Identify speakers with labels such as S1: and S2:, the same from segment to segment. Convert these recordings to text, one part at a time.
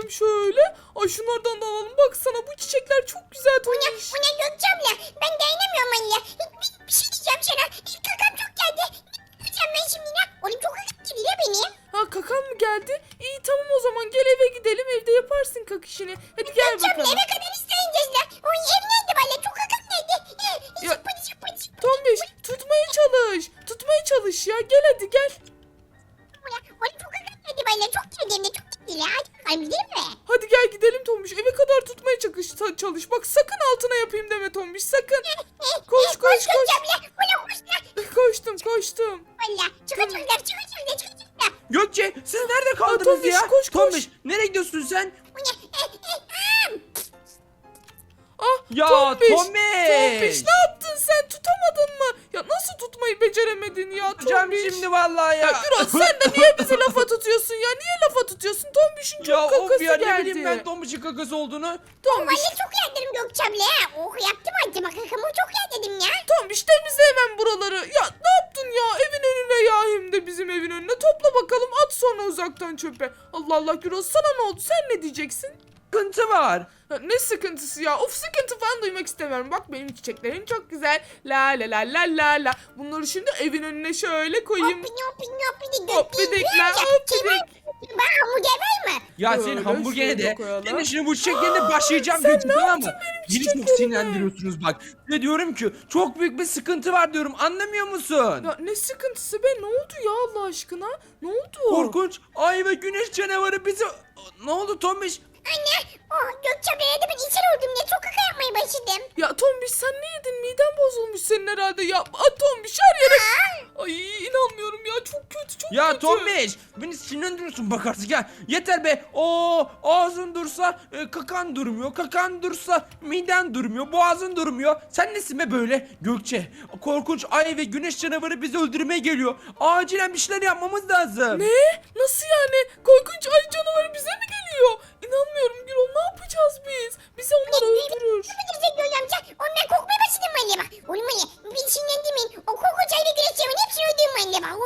S1: bakalım şöyle. Ay şunlardan da alalım. Baksana bu çiçekler çok güzel Tombiş.
S2: O ne Gökçe abla? Ben dayanamıyorum valla. Bir şey diyeceğim sana. Kakam çok geldi. Ne yapacağım ben şimdi ne? Oğlum çok kakam geliyor benim.
S1: Ha kakan mı geldi? İyi tamam o zaman gel eve gidelim. Evde yaparsın kak işini. Hadi gel
S2: Gökçe abla
S1: bakalım.
S2: eve kadar isteyeceğiz la. O ev nerede valla? Çok kakam geldi.
S1: Ya,
S2: Zıppıdı zıppıdı zıppıdı.
S1: Tombiş tutmaya çalış. Tutmaya çalış ya. Gel hadi gel.
S2: Oğlum çok kakam geldi valla. Çok geldi hem de çok geldi la. Hadi bakalım gidelim mi?
S1: Hadi gel gidelim Tombiş. Eve kadar tutmaya çalış. Bak sakın altına yapayım deme Tombiş. Sakın. Koş koş koş.
S2: Gökçe abla. Oğlum koş la.
S1: Koştum.
S2: Valla. Çıkacaklar çıkacaklar.
S3: Gökçe siz nerede kaldınız
S1: Tombiş,
S3: ya?
S1: koş.
S3: Tombiş nereye gidiyorsun sen?
S2: O ne?
S1: Ah
S3: Ya
S1: Tombiş.
S3: Tombiş.
S1: Ne yaptın sen? Tutamadın mı? Ya nasıl tutmayı beceremedin ya
S3: Tutacağım
S1: Tombiş?
S3: şimdi vallahi ya.
S1: Ya Gürol sen de niye bizi lafa tutuyorsun ya? Niye lafa tutuyorsun? Tombiş'in çok
S3: Ya
S1: kakası
S3: of ya ne
S1: geldi.
S3: bileyim ben Tombiş'in kakası olduğunu.
S1: Tombiş,
S2: Valla çok yerdim Gökçe abla. Oh yaptım acıma kakamı çok yer dedim ya.
S1: Tombiş temizle hemen buraları. Ya ne yaptın ya? Evin önüne ya hem de bizim evin önüne. Topla bakalım at sonra uzaktan çöpe. Allah Allah Gürol sana ne oldu? Sen ne diyeceksin?
S3: Sıkıntı var.
S1: Ya ne sıkıntısı ya? Of sıkıntı falan duymak istemiyorum. Bak benim çiçeklerim çok güzel. La la la la la la. Bunları şimdi evin önüne şöyle koyayım. Hoppidikler, hoppidik.
S2: Ben hamburger var mı?
S3: Ya
S1: Böyle
S3: senin hamburgere
S1: şöyle
S3: de
S1: koyalım.
S3: senin şimdi bu çiçeklerine başlayacağım
S1: Sen
S3: Gökçe
S1: ne
S3: tamam
S1: yaptın
S3: mı?
S1: benim
S3: Beni çok
S1: çiçeklerime?
S3: sinirlendiriyorsunuz bak. Ve diyorum ki çok büyük bir sıkıntı var diyorum anlamıyor musun?
S1: Ya ne sıkıntısı be? Ne oldu ya Allah aşkına? Ne oldu?
S3: Korkunç ay ve güneş canavarı bizi... Ne oldu Tombiş?
S2: Anne. Oh Gökçe abla ya da ben içer oldum diye çok kaka yapmaya başladım.
S1: Ya Tombiş sen ne yedin? Miden bozulmuş senin herhalde. Ya Tombiş her yere... Ay inanmıyorum ya çok kötü çok
S3: Ya
S1: kötü.
S3: Tombiş beni sinirlendiriyorsun bak artık ya. Yeter be. Ağzın dursa kakan durmuyor. Kakan dursa miden durmuyor. Boğazın durmuyor. Sen nesin be böyle Gökçe? Korkunç ay ve güneş canavarı bizi öldürmeye geliyor. Acilen bir şeyler yapmamız lazım.
S1: Ne? Nasıl yani? Korkunç ay canavarı bize mi geliyor? İnanmıyorum Gürol ne yapacağız biz? Bizi onlar öldürür.
S2: Ne yapacağız Gökçe amca? Ondan korkmaya başladım anne bak. Oğlum anne bir sinirlendirmeyin. O korkunç ay ve güneş yamanı hepsini öldürüm anne bak.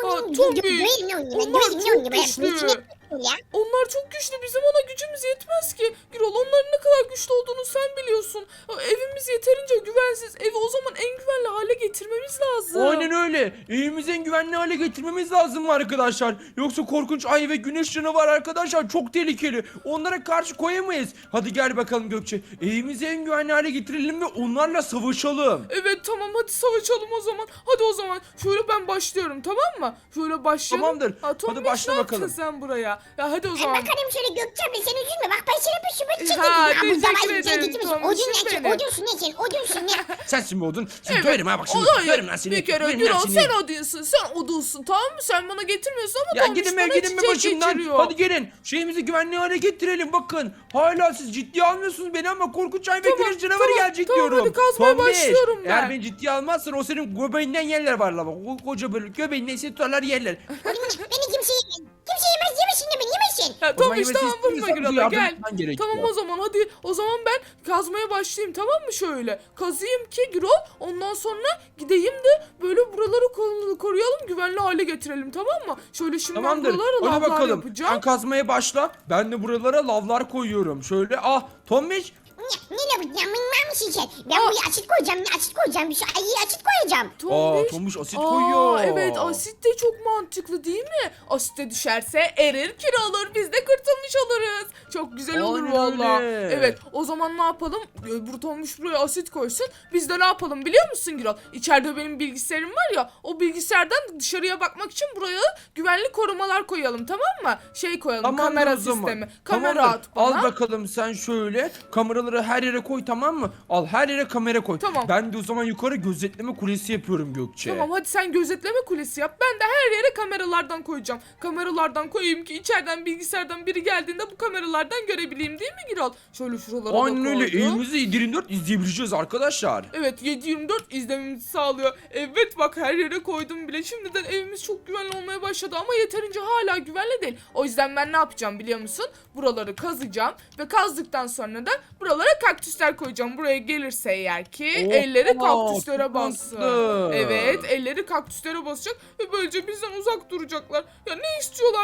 S1: Tombiş, onlar çok güçlü. Onlar çok güçlü. Bizim ona gücümüz yetmez ki. Gürol onların ne kadar güçlü olduğunu sen biliyorsun. Evimiz yeterince güvensiz. Evi o zaman en güvenli hale getirmemiz lazım.
S3: Aynen öyle. Evimizi en güvenli hale getirmemiz lazım arkadaşlar. Yoksa korkunç ay ve güneş canavar arkadaşlar çok tehlikeli. Onlara karşı koyamayız. Hadi gel bakalım Gökçe. Evimizi en güvenli hale getirelim ve onlarla savaşalım.
S1: Evet tamam hadi savaşalım o zaman. Hadi o zaman şöyle ben başlıyorum tamam mı? Şöyle başlayalım.
S3: Tamamdır.
S1: Tombiş,
S3: Hadi başla
S1: ne
S3: bakalım.
S1: yaptın sen buraya? Ya hadi o
S2: Ay
S1: zaman.
S2: bakalım şöyle Gökçe abla sen üzülme bak ben sana bir şüphe
S1: Ha,
S2: çektim.
S1: teşekkür ederim Tomuş'um benim.
S2: Odunsun ne?
S3: Sensin mi odun? Seni
S1: Evet.
S3: döverim ha bak şimdi.
S1: Hayır,
S3: Döverim lan seni.
S1: bir kere
S3: Döverim lan
S1: Gürol
S3: seni.
S1: sen o değilsin. Sen o değilsin tamam mı? Sen bana getirmiyorsun ama
S3: Ya
S1: Tombiş
S3: gidin
S1: bana
S3: be gidin be
S1: çiçek
S3: başımdan.
S1: getiriyor.
S3: Hadi gelin. Şeyimizi güvenli hale getirelim bakın. Hala siz ciddiye almıyorsunuz beni ama korkunç ay ve
S1: Tamam,
S3: güneş canavarı
S1: tamam,
S3: gelecek
S1: tamam,
S3: diyorum.
S1: hadi kazmaya
S3: Tombiş,
S1: başlıyorum ben.
S3: Eğer beni ciddiye almazsan o senin göbeğinden yerler var la bak. O koca böyle göbeğinden seni tutarlar yerler.
S2: Beni kimse yemez. Kimse yemez yemesin de beni yemesin.
S1: Ya
S3: O zaman
S1: Tombiş
S3: yemesi
S1: tamam vurma
S3: istiyorsan bize
S1: Gürol'a
S3: yardım
S1: gel.
S3: etmen gerekiyor.
S1: Tamam o zaman hadi o zaman ben kazmaya başlayayım tamam mı şöyle. Kazıyım ki Gürol ondan sonra gideyim de böyle buraları koruyalım güvenli hale getirelim tamam mı? Şöyle şimdi
S3: Tamamdır.
S1: ben buralara
S3: Hadi
S1: lavlar
S3: bakalım.
S1: yapacağım.
S3: Sen kazmaya başla. Ben de buralara lavlar koyuyorum. Şöyle Tombiş.
S2: Ne yapacağım? Ben misin sen? Ben buraya asit koyacağım. Asit koyacağım. Bir şey ayı asit koyacağım.
S3: Tombiş asit koyuyor.
S1: Evet asit de çok mantıklı değil mi? Asite düşerse erir kir olur biz de kurtulmuş oluruz. Çok güzel olur
S3: Aynen
S1: valla.
S3: öyle.
S1: Evet o zaman ne yapalım? Burtonmuş buraya asit koysun. Biz de ne yapalım biliyor musun Gürol? İçeride benim bilgisayarım var ya o bilgisayardan dışarıya bakmak için buraya güvenli korumalar koyalım tamam mı? Şey koyalım
S3: Tamamdır
S1: kamera
S3: o zaman.
S1: sistemi. Kamera
S3: Tamamdır.
S1: at bana.
S3: Al bakalım sen şöyle kameraları her yere koy tamam mı? Al her yere kamera koy.
S1: Tamam.
S3: Ben de o zaman yukarı gözetleme kulesi yapıyorum Gökçe.
S1: Tamam hadi sen gözetleme kulesi yap. Ben de her yere kameralardan koyacağım. Kameralardan koyayım ki içeriden bilgisayardan biri geldiğinde bu kameralardan görebileyim değil mi Gürol? Şöyle şuralara da
S3: Aynen öyle
S1: koydum.
S3: evimizi 7/24 izleyebileceğiz arkadaşlar.
S1: Evet 7/24 izlememizi sağlıyor. Evet bak her yere koydum bile. Şimdiden evimiz çok güvenli olmaya başladı ama yeterince hala güvenli değil. O yüzden ben ne yapacağım biliyor musun? Buraları kazacağım ve kazdıktan sonra da buralara kaktüsler koyacağım. Buraya gelirse eğer ki elleri kaktüslere
S3: çok
S1: bassın.
S3: mantıklı.
S1: Evet elleri kaktüslere basacak ve böylece bizden uzak duracaklar. Ya ne istiyorlar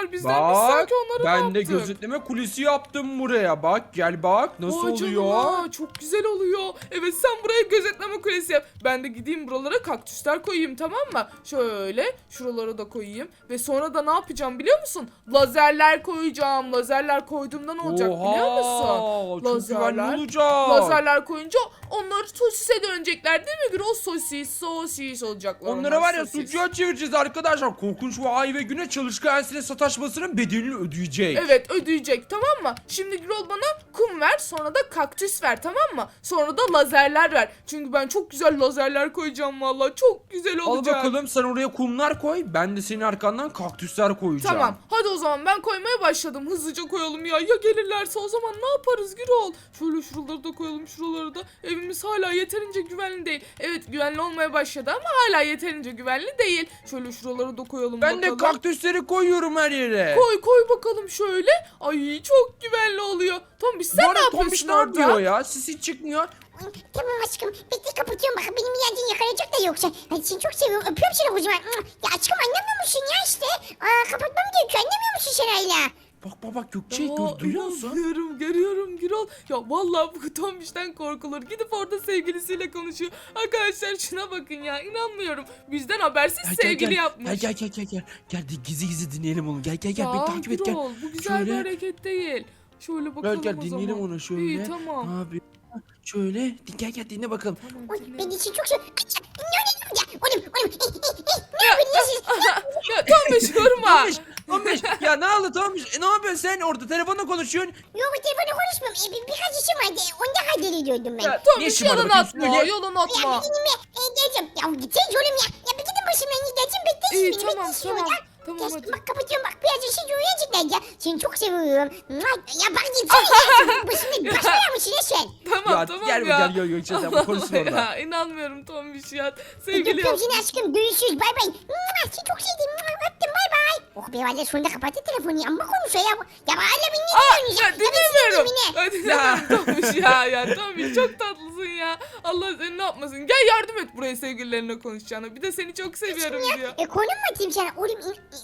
S1: onlar bizden. Biz
S3: Bak
S1: sanki onları ne
S3: ben de
S1: yaptık?
S3: gözetleme kulesi yaptım buraya. Bak gel bak nasıl
S1: Vay
S3: oluyor.
S1: canına, çok güzel oluyor. Evet sen buraya gözetleme kulesi yap. Ben de gideyim buralara kaktüsler koyayım, tamam mı? Şöyle şuralara da koyayım. Ve sonra da ne yapacağım biliyor musun? Lazerler koyacağım. Lazerler koyduğumda ne olacak biliyor musun?
S3: Çok güvenli
S1: Lazerler.
S3: olacak.
S1: Lazerler koyunca onlar sosise dönecekler değil mi Gürol? Sosis olacaklar.
S3: Onlara
S1: onlar,
S3: var ya
S1: sosis.
S3: sucuğa çevireceğiz arkadaşlar. Korkunç ve ay ve güne çalışkan ensine sataşmasının bedelini ödeyecek.
S1: Evet ödeyecek, tamam mı? Şimdi Gürol bana kum ver, sonra da kaktüs ver, tamam mı? Sonra da lazerler ver. Çünkü ben çok güzel lazerler koyacağım vallahi. Çok güzel
S3: Al
S1: olacak.
S3: bakalım sen oraya kumlar koy. Ben de senin arkandan kaktüsler koyacağım.
S1: Tamam. Hadi o zaman ben koymaya başladım. Hızlıca koyalım ya. Ya gelirlerse o zaman ne yaparız Gürol? Şöyle şuraları da koyalım, şuraları da. Evimiz hala yeterince güvenli değil. Evet güvenli olmaya başladı ama hala yeterince güvenli değil. Şöyle şuraları da koyalım
S3: Ben
S1: bakalım.
S3: de kaktüsleri koyuyorum her yere.
S1: Koy bakalım şöyle. Ay çok güvenli oluyor. Tombiş sen
S3: Bu
S1: ne
S3: arada Tombiş
S1: yapıyorsun
S3: ne
S1: orada?
S3: yapıyor ya? Sesi çıkmıyor.
S2: Tamam aşkım. Bekle kapatıyorum. Bak benim yerden yakalayacak da yoksa. Hadi seni çok seviyorum. Öpüyorum seni kocaman. Ya aşkım anlamıyor musun ya işte? Kapatmam gerekiyor. Anlamıyor musun sen hala?
S3: Bak Gökçe
S1: Aa,
S3: duyuyor musun?
S1: Görüyorum Gürol. Ya vallahi bu Tombiş'ten korkulur. Gidip orada sevgilisiyle konuşuyor. Arkadaşlar şuna bakın ya. İnanmıyorum. Bizden habersiz sevgili yapmış.
S3: Gel. Gel gizli dinleyelim onu. Gel
S1: Ya
S3: beni takip et gel.
S1: Gürol, bu güzel bir
S3: Şöyle.
S1: hareket değil. Şöyle bakalım
S3: Gel
S1: o
S3: dinleyelim
S1: zaman.
S3: onu şöyle.
S1: İyi tamam.
S3: Ne yapıyor? Şöyle gel dinle bakalım.
S1: Tamam,
S2: Oy
S1: dinle.
S2: ben için çok seviyorum. Ne oluyor ya? Oğlum. Ne yapıyorsun siz?
S1: Ya Tombiş vurma.
S3: Tombiş ya ne oldu Tombiş? Ne yapıyorsun sen orada telefonla konuşuyorsun?
S2: Yok telefonla konuşmuyorum. Birkaç işim vardı. Onda hallediyordum ben.
S1: Ya
S3: Ne
S1: Tombiş
S3: işin var
S1: yalan
S3: bakayım?
S1: atma.
S3: Söyle.
S1: Yalan
S2: Ya
S1: atma.
S2: bir dinle. Geleceğim. Ya gideceğiz oğlum ya. Ya bir gidin başımdan gideceğim. Bekleyin
S1: İyi
S2: beni.
S1: tamam
S2: Bekleyin
S1: tamam.
S2: ya.
S1: Tamam
S2: Ya,
S1: hadi.
S2: bak kapatıyorum bak birazcık şey uyuyacaklar ya. Seni çok seviyorum. Ya bak gitsene ya. Başımda başlıyor musun ya sen?
S1: Tamam
S3: Ya,
S1: tamam
S3: gel
S1: ya.
S3: Gökçe sen bu konuşsun
S1: Allah
S3: orada.
S1: ya inanmıyorum Tombiş ya. Sevgili
S2: Öpüyorum seni
S1: yapmış.
S2: aşkım. Görüşürüz. Bay bay. Seni çok sevdim. Öptüm bay bay. Oh be valla sonunda kapattı telefonu ya. Ama konuşuyor ya. Ya hala beni
S1: Aa,
S2: dinliyorsun
S1: ya
S2: ya.
S1: dinlemiyorum.
S2: Ya
S1: Ya dinlemiyorum Tombiş ya. Tombiş çok tatlısın ya. Allah seni ne yapmasın. Gel yardım et buraya sevgililerine konuşacağına. Bir de seni çok seviyorum diyor.
S2: konum mu atayım sana? Oğlum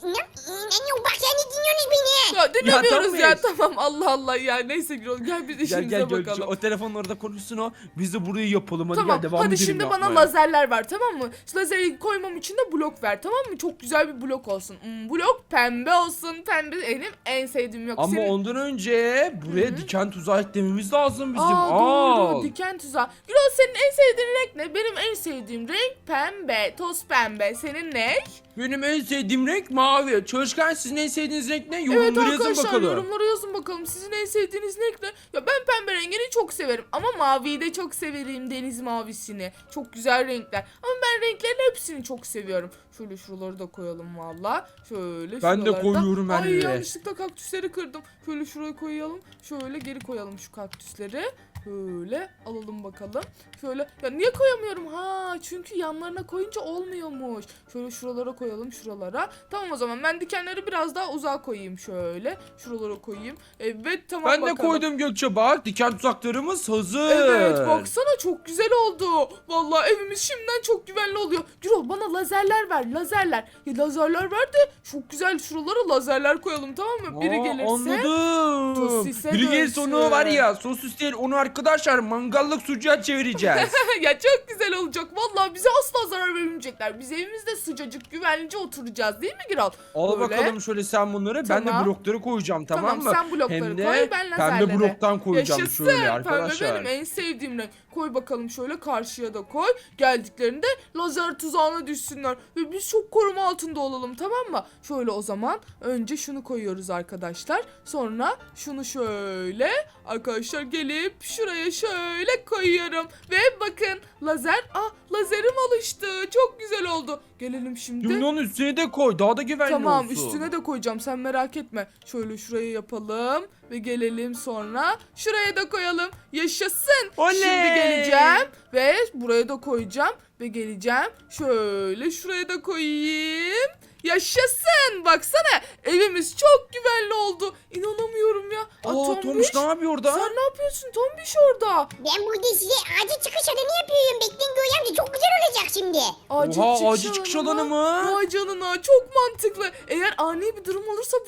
S2: bak sen de dinliyorsunuz beni.
S1: Ya dinlemiyoruz ya,
S3: Tombiş.
S1: tamam Allah ya. Neyse Gürol gel biz işimize
S3: Gel Gökçe
S1: bakalım.
S3: o telefonla orada konuşsun o. Biz de burayı yapalım hadi
S1: Tamam
S3: gel devam
S1: hadi
S3: edelim
S1: şimdi bana
S3: yapmaya.
S1: lazerler ver, tamam mı? Şu lazeri koymam için de blok ver, tamam mı? Çok güzel bir blok olsun. Blok pembe olsun. Pembe benim en sevdiğim yok.
S3: Ama
S1: Senin...
S3: ondan önce buraya diken tuzağı eklememiz lazım bizim.
S1: Doğru diken tuzağı. Gürol senin en sevdiğin renk ne? Benim en sevdiğim renk pembe. Toz pembe. Senin ne?
S3: Benim en sevdiğim renk mavi. Çalışkan sizin en sevdiğiniz renk ne?
S1: Evet
S3: Yorumları yazın
S1: arkadaşlar
S3: bakalım.
S1: yorumlara yazın bakalım. Sizin en sevdiğiniz renk ne? Ya ben pembe rengini çok severim. Ama maviyi de çok severim. Deniz mavisini. Çok güzel renkler. Ama ben renklerin hepsini çok seviyorum. Şöyle şuraları da koyalım valla. Şöyle
S3: Ben de
S1: şuraları da.
S3: koyuyorum her
S1: Ay
S3: yere.
S1: yanlışlıkla kaktüsleri kırdım. Şöyle şuraya koyalım. Şöyle geri koyalım şu kaktüsleri. Şöyle alalım bakalım. Şöyle ya niye koyamıyorum? Ha çünkü yanlarına koyunca olmuyormuş. Şöyle şuralara koyalım şuralara. Tamam o zaman ben dikenleri biraz daha uzağa koyayım şöyle. Şuralara koyayım. Evet tamam
S3: Ben de
S1: bakalım.
S3: koydum Gökçe bak. Diken tuzaklarımız hazır.
S1: Evet baksana çok güzel oldu. Vallahi evimiz şimdiden çok güvenli oluyor. Gürol bana lazerler ver lazerler. Ya lazerler ver de çok güzel şuralara lazerler koyalım tamam mı? Biri gelirse.
S3: Anladım.
S1: sosise
S3: Biri gelirse onu
S1: dönsün.
S3: var ya sosis değil onu arkadaşlar mangallık sucuğa çevireceğiz.
S1: Ya çok güzel olacak. Vallahi bize asla zarar vermeyecekler. Biz evimizde sıcacık güvenlice oturacağız değil mi Gürol?
S3: Al
S1: Böyle.
S3: bakalım şöyle sen bunları. Ben
S1: Tamam.
S3: de blokları koyacağım tamam mı?
S1: Sen blokları
S3: Hem de
S1: koy ben lazerleri.
S3: pembe bloktan koyacağım
S1: Yaşasın.
S3: şöyle
S1: Pembe
S3: arkadaşlar.
S1: benim en sevdiğim renk. Koy bakalım şöyle karşıya da koy. Geldiklerinde lazer tuzağına düşsünler. Ve biz çok koruma altında olalım tamam mı? Şöyle o zaman önce şunu koyuyoruz arkadaşlar. Sonra şunu şöyle arkadaşlar gelip şuraya şöyle koyuyorum. Ve bakın lazer lazerim alıştı. Çok güzel oldu. Gelelim şimdi.
S3: Şimdi onun üstüne de koy daha da güvenli
S1: Tamam
S3: olsun.
S1: üstüne de koyacağım sen merak etme. Şöyle şuraya yapalım ve gelelim sonra şuraya da koyalım. Yaşasın.
S3: Oley!
S1: Şimdi geleceğim ve buraya da koyacağım ve geleceğim. Şöyle şuraya da koyayım. Yaşasın. Baksana evimiz çok güvenli oldu. İnanamıyorum ya.
S3: Tombiş ne yapıyor orada?
S1: Sen ne yapıyorsun Tombiş orada?
S2: Ben burada size acil çıkış alanı yapıyorum. Bekleyin Göğe amca çok güzel olacak şimdi.
S3: Oha, acil çıkış alanı mı?
S1: Vay canına çok mantıklı. Eğer ani bir durum olursa buradan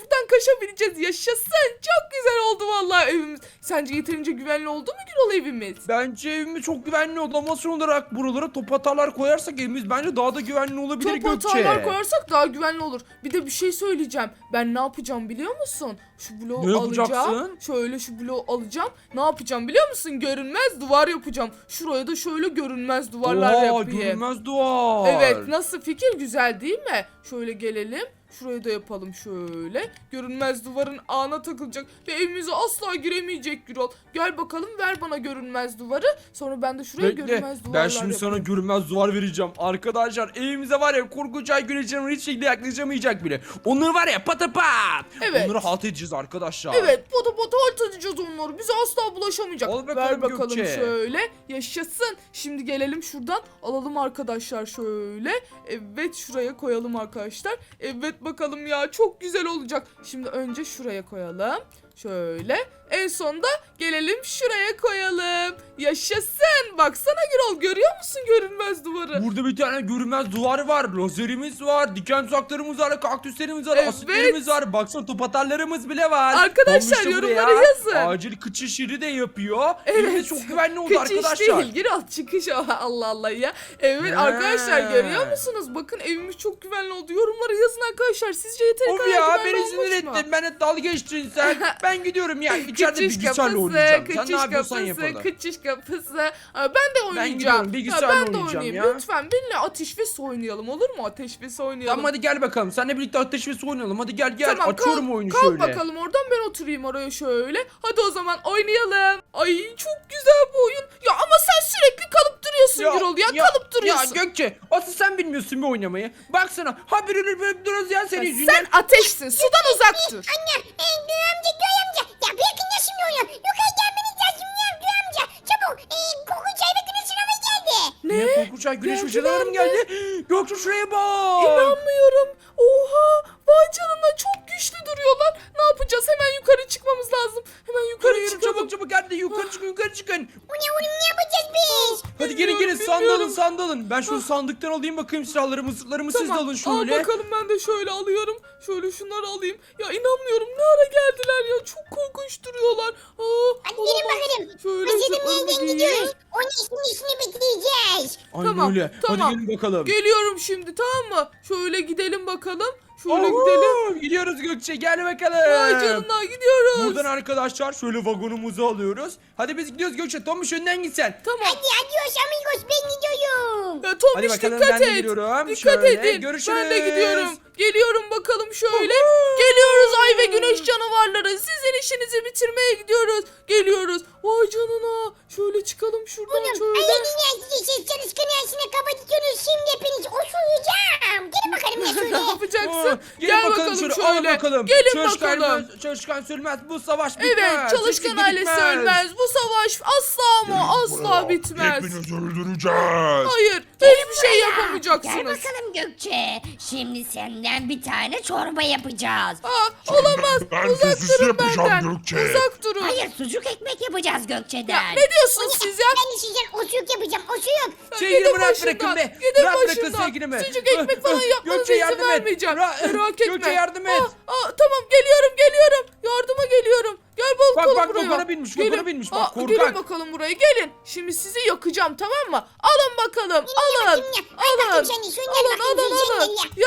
S1: Tofaş'a bineceğiz. Yaşasın. Çok güzel oldu vallahi evimiz. Sence yeterince güvenli oldu mu Gürol evimiz?
S3: Bence evimiz çok güvenli oldu ama son olarak buralara top atarlar koyarsak evimiz bence daha da güvenli olabilir
S1: Top
S3: Gökçe.
S1: hatalar koyarsak daha güvenli olur. Bir de bir şey söyleyeceğim. Ben ne yapacağım biliyor musun? Şu bloğu
S3: Ne
S1: alacağım.
S3: yapacaksın?
S1: Şöyle şu bloğu alacağım. Ne yapacağım biliyor musun? Görünmez duvar yapacağım. Şuraya da şöyle görünmez duvarlar
S3: Oha,
S1: yapayım.
S3: görünmez duvar.
S1: Evet, nasıl fikir, güzel değil mi? Şöyle gelelim. Şurayı da yapalım şöyle. Görünmez duvarın ağına takılacak ve evimize asla giremeyecek Gürol. Gel bakalım, ver bana görünmez duvarı. Sonra ben de şuraya
S3: Bekle,
S1: görünmez duvarlar
S3: ben şimdi sana
S1: yapayım.
S3: görünmez duvar vereceğim. Arkadaşlar evimize var ya korkunç ay güneşlerin hiç şekilde yaklaşamayacak bile. Onları var ya patapat.
S1: Evet.
S3: Onları halt edeceğiz arkadaşlar.
S1: Evet, pota pota halt edeceğiz onları. Bize asla bulaşamayacak.
S3: Al bakalım
S1: Ver bakalım
S3: Gökçe.
S1: şöyle. Yaşasın. Şimdi gelelim şuradan. Alalım arkadaşlar şöyle. Evet, şuraya koyalım arkadaşlar. Evet bakalım ya, çok güzel olacak. Şimdi önce şuraya koyalım. Şöyle. En sonda gelelim şuraya koyalım. Yaşasın. Baksana Gürol, görüyor musun görünmez duvarı?
S3: Burada bir tane görünmez duvar var. Lazerimiz var. Diken tuzaklarımız var. Kaktüslerimiz var.
S1: Evet.
S3: Asitlerimiz var. Baksana top atarlarımız bile var.
S1: Arkadaşlar,
S3: Olmuş da
S1: yorumlara
S3: buraya
S1: yazın.
S3: Acil kıçış yeri de yapıyor.
S1: Evet.
S3: Evimiz çok güvenli oldu
S1: Kıç
S3: arkadaşlar.
S1: iş değil Gürol, çıkış o. Allah Allah ya. Evet
S3: Ha.
S1: arkadaşlar, görüyor musunuz? Bakın evimiz çok güvenli oldu. Yorumlara yazın arkadaşlar. Sizce yeteri
S3: Of
S1: kadar
S3: ya
S1: güvenli
S3: beni sinir
S1: olmuş mu?
S3: ettin. Ben dalga geçtin sen. Ben gidiyorum ya. İçeride
S1: Kıçış
S3: bilgisayarla
S1: kapısı,
S3: oynayacağım. Sen ne
S1: kıçış
S3: yapıyorsan
S1: kapısı,
S3: yapalım.
S1: kıçış kapısı. Aa, ben de oynayacağım.
S3: gidiyorum, bilgisayarla
S1: ben de
S3: oynayacağım
S1: oynayayım.
S3: ya.
S1: Lütfen benimle Ateş ve Su oynayalım, olur mu? Ateş ve Su oynayalım.
S3: Tamam hadi gel bakalım. Seninle birlikte ateş ve su oynayalım. Hadi gel gel.
S1: Tamam,
S3: Açıyorum
S1: kalk,
S3: oyunu
S1: kalk
S3: şöyle.
S1: bakalım oradan, ben oturayım oraya şöyle. Hadi o zaman oynayalım. Ay çok güzel bu oyun. Ya ama sen sürekli kalıp duruyorsun Gürol ya, kalıp duruyorsun.
S3: Ya Gökçe asıl sen bilmiyorsun bir oynamayı. Baksana haberi böyle duruyoruz ya senin yüzünden.
S1: Sen ateşsin, sudan uzak dur.
S2: Anne, Göğe amca. Ya bırakın ya şimdi onu. Yukarı gelmeniz lazım ya Göğe amca. Çabuk. Korkunç ay ve güneş sınavı geldi.
S3: Ne? Korkunç ay güneş
S1: Geldiler
S3: hocalarım
S1: mi?
S3: geldi. Gökçe şuraya bak.
S1: İnanmıyorum. Oha, vay canına, çok güçlü duruyorlar. Ne yapacağız? Hemen yukarı çıkmamız lazım. Hemen yukarı
S3: Yürü
S1: çıkalım.
S3: çabuk çabuk hadi yukarı çıkın yukarı çıkın.
S2: Bu ne oğlum, ne yapacağız biz?
S3: Hadi gelin
S1: Bilmiyorum,
S3: gelin
S1: bilmiyorum.
S3: sandalın. Ben şu sandıktan alayım bakayım silahlarımı zırhlarımı siz de alın şöyle.
S1: Al bakalım, ben de şöyle alıyorum. Şöyle şunları alayım. Ya inanmıyorum, ne ara geldiler ya. Çok korkunç duruyorlar.
S2: Hadi gelin bakalım.
S1: Şöyle
S2: Biz
S1: zırhlarımı
S2: nereden
S1: giyeyim.
S2: gidiyoruz? Onun işini bitireceğiz.
S3: Aynen
S1: Tamam,
S3: öyle.
S1: tamam.
S3: Hadi gelin bakalım.
S1: Geliyorum şimdi, tamam mı? Şöyle gidelim bakalım. Şöyle
S3: Oho,
S1: gidelim.
S3: gidiyoruz Gökçe gel bakalım.
S1: Vay canına, gidiyoruz.
S3: Buradan arkadaşlar şöyle vagonumuzu alıyoruz. Hadi biz gidiyoruz Gökçe. Tomuş önden git sen.
S1: Tamam.
S2: Hadi adios amigos, ben gidiyorum.
S1: Ya Tombiş,
S3: Hadi bakalım,
S1: dikkat
S3: ben de
S1: et.
S3: gidiyorum.
S1: Dikkat
S3: Şöyle,
S1: edin.
S3: görüşürüz.
S1: Ben de gidiyorum. Geliyorum bakalım şöyle. Geliyoruz ay ve güneş canavarları. Sizin işinizi bitirmeye gidiyoruz. Geliyoruz. Vay canına. Şöyle çıkalım şuradan
S2: Oğlum,
S1: şöyle.
S2: ayağını siz çalışkan yaşına kapatıyorsunuz. Şimdi hepiniz osuracağım. Gelin bakalım ya
S1: Ne
S2: şöyle.
S1: yapacaksın?
S3: Gelin
S1: Gel
S3: bakalım
S1: bakalım
S3: şöyle.
S1: şöyle.
S3: Al bakalım.
S1: Gelin
S3: Çalışkan,
S1: bakalım.
S3: çalışkan sürmez. Bu savaş bitmez.
S1: Evet, çalışkan
S3: Hiçbir
S1: ailesi
S3: bitmez.
S1: ölmez. Bu savaş asla ama asla bitmez.
S4: Hepinizi öldüreceğiz.
S1: Hayır, hiçbir şey
S5: Gel
S1: yapamayacaksınız.
S5: bakalım Gökçe. Şimdi senden bir tane çorba yapacağız.
S1: Olamaz.
S4: Ben
S1: Uzak
S4: sosis
S1: durun
S4: yapacağım
S1: benden.
S4: Gökçe.
S1: Uzak durun.
S5: Hayır, sucuk ekmek yapacağız Gökçe'den.
S1: Ne diyorsunuz siz ya?
S2: Ben de sizden osuruk yapacağım. Osuruk.
S3: Sevgilimi
S1: Gidin
S3: rahat
S1: başımdan,
S3: bırakın be.
S1: gidin
S3: Rahat bırakın
S1: başımdan.
S3: sevgilimi.
S1: Sucuk ekmek falan yapmanıza
S3: Gökçe
S1: izin
S3: yardım et.
S1: vermeyeceğim. Merak etme.
S3: Gökçe yardım et.
S1: Tamam, geliyorum. Yardıma geliyorum. Gel bakalım
S3: Bak,
S1: buraya.
S3: kokona binmiş, kokona
S1: Gelin.
S3: binmiş. Bak, korkak.
S1: Gelin bakalım buraya, gelin. Şimdi sizi yakacağım, tamam mı? Alın bakalım, alın.
S2: bakayım ya. Ay bakayım
S1: Alın.
S2: seni, şöyle
S1: Alın,
S2: bakayım,
S1: alın,
S2: şöyle
S1: alın.
S2: ya.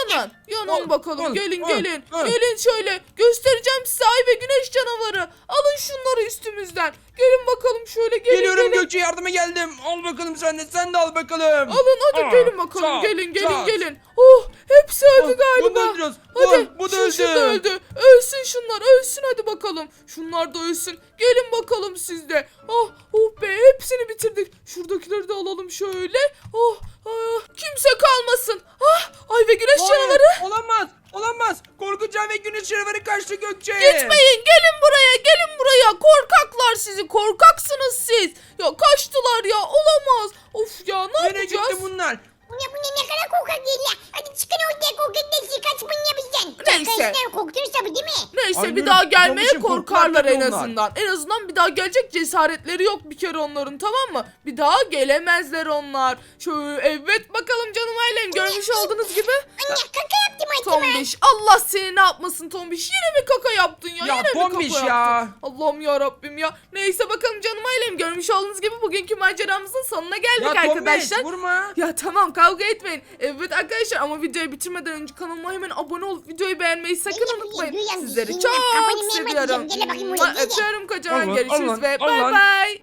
S1: Yanın bakalım.
S3: al,
S1: Gelin,
S3: al,
S1: gelin.
S3: al.
S1: Gelin şöyle. Göstereceğim size ay ve güneş canavarı. Alın şunları üstümüzden. Gelin bakalım şöyle,
S3: Geliyorum
S1: gelin.
S3: Gökçe yardıma geldim. Al bakalım sen de al bakalım.
S1: Alın hadi,
S3: Aa,
S1: gelin bakalım,
S3: çat,
S1: gelin.
S3: çat.
S1: Oh, hepsi öldü
S3: Oh,
S1: galiba.
S3: bunu da öldürüyoruz.
S1: Hadi,
S3: Bu da
S1: şu da
S3: öldü.
S1: öldü. Ölsün şunlar, ölsün hadi bakalım. Şunlar da ölsün. Gelin bakalım siz de. Oh be, hepsini bitirdik. Şuradakileri de alalım şöyle. Kimse kalmasın. Ay ve güneş
S3: Hayır,
S1: canavarı.
S3: Olamaz. Korkunç ay ve güneş canavarı kaçtı Gökçe.
S1: Gitmeyin, gelin buraya. Korkaklar sizi, korkaksınız siz. Ya kaçtılar ya, olamaz. Of ya, ne
S3: Nereye
S1: yapacağız?
S3: gitti bunlar?
S2: Bu ne kadar korkak değil ya. Hadi çıkın ortaya korkaklar. Kaç bunu yapacaksın.
S1: Neyse.
S2: Arkadaşlar korkuyoruz tabii değil mi?
S1: Neyse
S3: Aynen,
S1: bir daha gelmeye
S3: Tombiş'im,
S1: korkarlar en
S3: korkarlar onlar.
S1: azından. En azından bir daha gelecek cesaretleri yok bir kere onların, tamam mı? Bir daha gelemezler onlar. Şöyle evet bakalım canım ailem, görmüş olduğunuz gibi.
S2: Anne kaka yaptım acaba.
S1: Tombiş, Allah seni ne yapmasın Tombiş, yine mi kaka yaptın ya?
S3: Ya
S1: Yine mi
S3: Tombiş
S1: kaka
S3: ya.
S1: yaptın? Allah'ım ya Rabbim ya. Neyse bakalım canım ailem, görmüş olduğunuz gibi bugünkü maceramızın sonuna geldik
S3: Ya
S1: arkadaşlar.
S3: Tombiş vurma.
S1: Ya tamam kavga etmeyin. Evet arkadaşlar ama videoyu bitirmeden önce kanalıma hemen abone olup videoyu beğenmeyi sakın unutmayın. Sizleri çok seviyorum.
S2: Gel bakayım buraya.
S1: Öpüyorum kocaman,
S3: Allah,
S1: görüşürüz
S3: Allah,
S1: ve bay
S3: Allah.
S1: bay.